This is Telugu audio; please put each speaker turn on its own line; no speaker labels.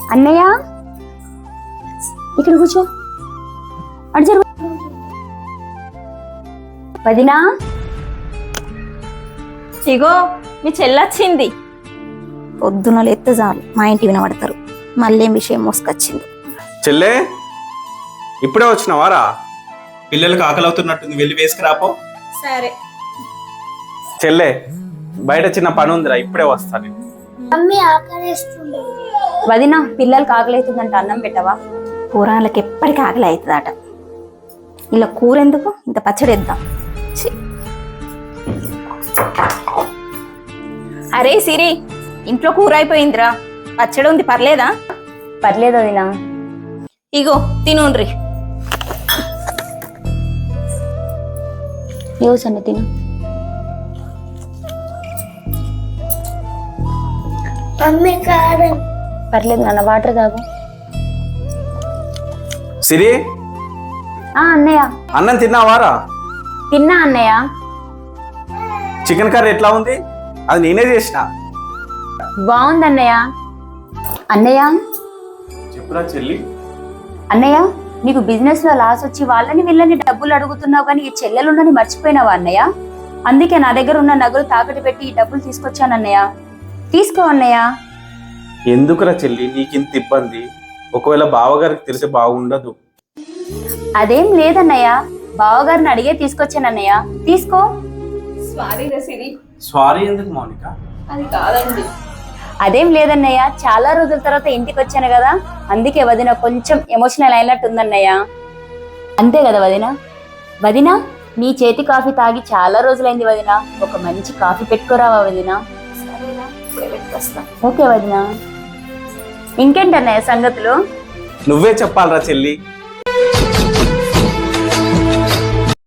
అన్నయ్య ఇక్కడ కూర్చో. అటు జరుగు. వదినా
ఇగో మీ చెల్లొచ్చింది.
పొద్దున లేస్తే చాలు మా ఇంటి వినబడతారు. మళ్ళీ విషయం మోసుకొచ్చింది.
చెల్లే ఇప్పుడే వచ్చినావారా? పిల్లలకు ఆకలి అవుతున్నట్టుంది, వెళ్ళి వేసుకురాపో.
సరే
చెల్లే బయట చిన్న పని ఉందిరా, ఇప్పుడే వస్తాను.
వదినా పిల్లలకి ఆకలి అవుతుందంట, అన్నం పెట్టవా?
కూరగాయలకి ఎప్పటికీ ఆకలి అవుతుందట. ఇలా కూర ఎందుకు, ఇంత పచ్చడి వేద్దాం. ఛీ.
అరే సిరి, ఇంట్లో కూర అయిపోయిందిరా, పచ్చడి ఉంది, పర్లేదా?
పర్లేదు వదినా.
ఇగో తినుండ్రి.
సన్న తిను. పర్లేదు నాన్న, వాటర్ తాగు.
సిరి
అన్నయ్య
అన్నం తిన్నావారా?
తిన్నా అన్నయ్య.
చికెన్ కర్రీ ఎట్లా ఉంది? అది నేనే చేసిన.
బాగుంది అన్నయ్య. అన్నయ్య
చెప్పురా చెల్లి.
అన్నయ్య నీకు బిజినెస్ లో లాస్ వచ్చి వాళ్ళని వీళ్ళని డబ్బులు అడుగుతున్నావు, కానీ ఈ చెల్లెలుండని మర్చిపోయినావా అన్నయ్య? అందుకే నా దగ్గర ఉన్న నగలు తాకట్టు పెట్టి ఈ డబ్బులు తీసుకొచ్చాను అన్నయ్య. తీసుకో అన్నయ్య.
ఎందుకురా చెల్లి నీకింత ఇబ్బంది? ఒకవేళ బావగారికి తెలిసి బాగుండదు.
అదేం లేదన్నయ్య, బావగారిని అడిగే తీసుకొచ్చానన్నయ్య. తీసుకో.
సారీరా సిరి.
సారీ ఎందుకు మౌనిక?
అది కాదండి.
అదేం లేదన్నయ్య, చాలా రోజుల తర్వాత ఇంటికి వచ్చాను కదా, అందుకే వదిన కొంచెం ఎమోషనల్ అయినట్టు ఉందన్నయ్య. అంతే కదా వదిన? వదిన నీ చేతి కాఫీ తాగి చాలా రోజులైంది వదిన, ఒక మంచి కాఫీ పెట్టుకోరావా వదిన? ఓకే వదిన. ఇంకేంటన్నయ్య సంగతులు?
నువ్వే చెప్పాలరా చెల్లి.